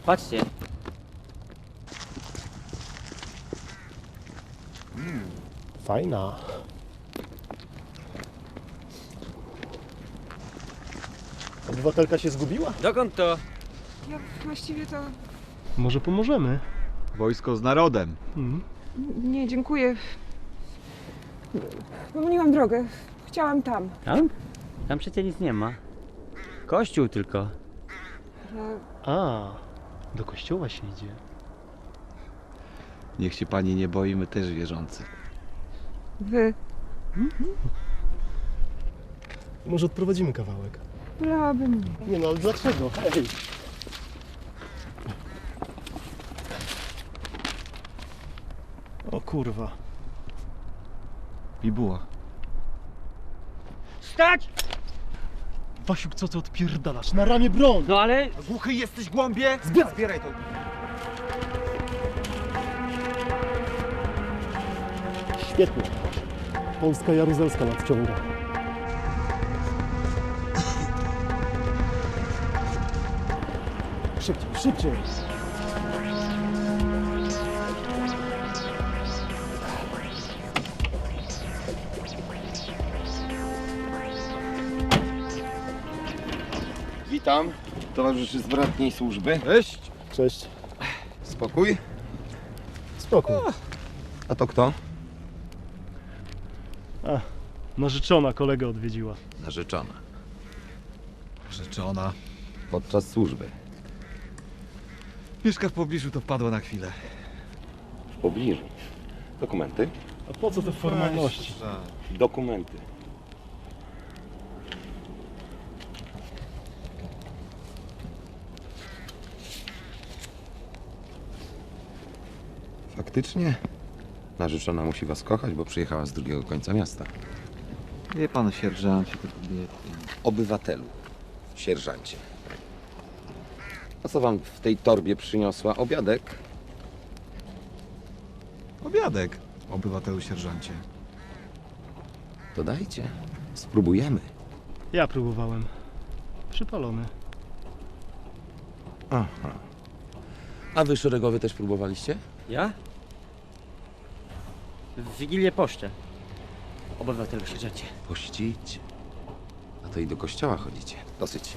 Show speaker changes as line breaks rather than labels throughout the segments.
Patrzcie.
Fajna. Obywatelka się zgubiła?
Dokąd to?
Ja właściwie to...
Może pomożemy?
Wojsko z narodem.
Nie, dziękuję. Pomyliłam drogę. Chciałam tam.
Tam? Tam przecież nic nie ma. Kościół tylko.
Ale
A, do kościoła się idzie.
Niech się pani nie boi, my też wierzący.
wy...
Może odprowadzimy kawałek?
Wolałabym nie.
Nie no, ale dlaczego? Hej! O kurwa.
Bibuła.
Stać!
Wasiuk, co ty odpierdalasz? Na ramię broń!
No ale...
Głuchy jesteś, głąbie? Zbieraj to.
Świetnie. Polska Jaruzelska nadciąga. Szybciej, szybciej!
Witam, towarzyszy z bratniej służby.
Cześć.
Cześć.
Spokój.
Spokój.
A to kto?
A, narzeczona kolegę odwiedziła.
Narzeczona.
Rzeczona.
Podczas służby.
Mieszka w pobliżu, to wpadła na chwilę.
W pobliżu. Dokumenty?
A po co te formalności?
Dokumenty. Faktycznie? Narzeczona musi was kochać, bo przyjechała z drugiego końca miasta.
Wie pan, sierżancie, to kobiety.
Obywatelu, sierżancie. A co wam w tej torbie przyniosła? Obiadek?
Obiadek, obywatelu sierżancie.
To dajcie. Spróbujemy.
Ja próbowałem. Przypalony.
Aha. A wy szeregowy też próbowaliście?
Ja? W Wigilię poszczę. Obywatelu sierżancie.
Pościć. A to i do kościoła chodzicie. Dosyć.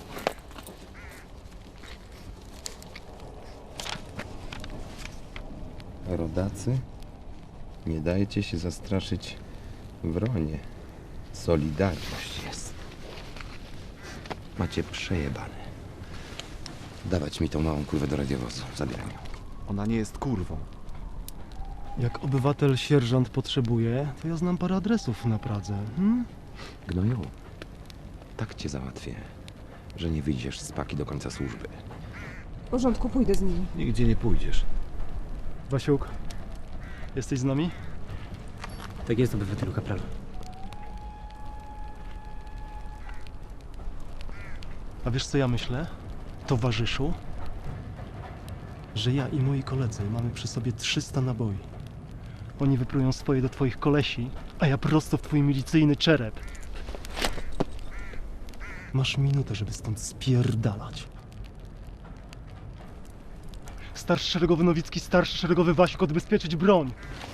Rodacy, nie dajcie się zastraszyć wronie. Solidarność jest. Macie przejebane. Dawać mi tą małą kurwę do radiowozu. Zabieram ją.
Ona nie jest kurwą.
Jak obywatel sierżant potrzebuje, to ja znam parę adresów na Pradze.
Gnoju, tak cię załatwię, że nie wyjdziesz z paki do końca służby.
W porządku, pójdę z nimi.
Nigdzie nie pójdziesz.
Wasiuk, jesteś z nami?
Tak jest, obywatelu kapralu.
A wiesz co ja myślę, towarzyszu? Że ja i moi koledzy mamy przy sobie 300 naboi. Oni wyprują swoje do twoich kolesi, a ja prosto w twój milicyjny czerep. Masz minutę, żeby stąd spierdalać. Starszy szeregowy Nowicki, starszy szeregowy Wasiuk, odbezpieczyć broń.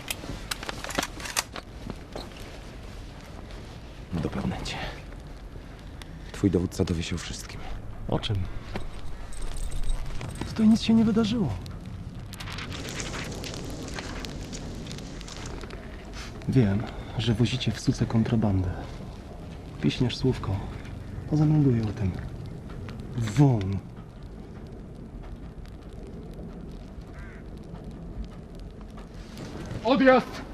Dopadnę cię. Twój dowódca dowie się o wszystkim.
O czym? Tutaj nic się nie wydarzyło. Wiem, że wozicie w suce kontrabandę. Piśniesz słówko. Zamelduję o tym. Won. Odjazd!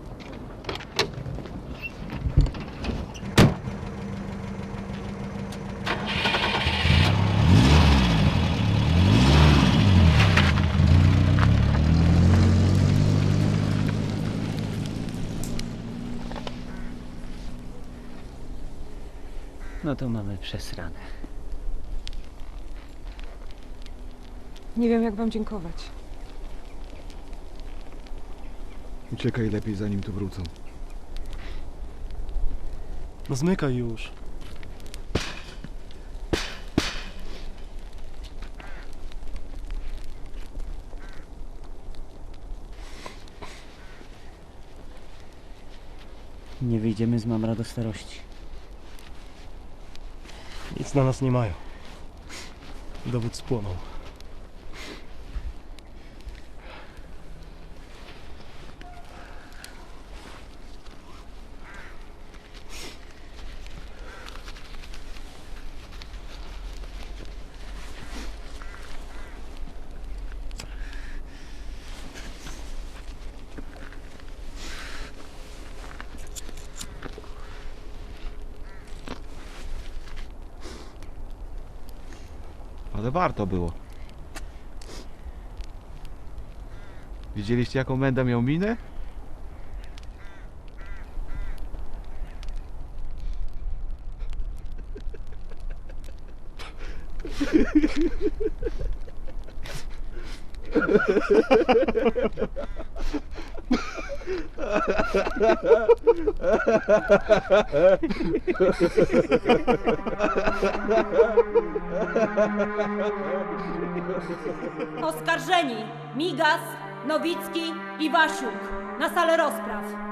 No to mamy przesrane.
Nie wiem, jak wam dziękować.
Uciekaj lepiej, zanim tu wrócą.
No zmykaj już.
Nie wyjdziemy z mamra do starości.
Nic na nas nie mają. Dowód spłonął.
Ale warto było. Widzieliście, jaką Menda miał minę?
Oskarżeni Migas, Nowicki i Wasiuk na salę rozpraw.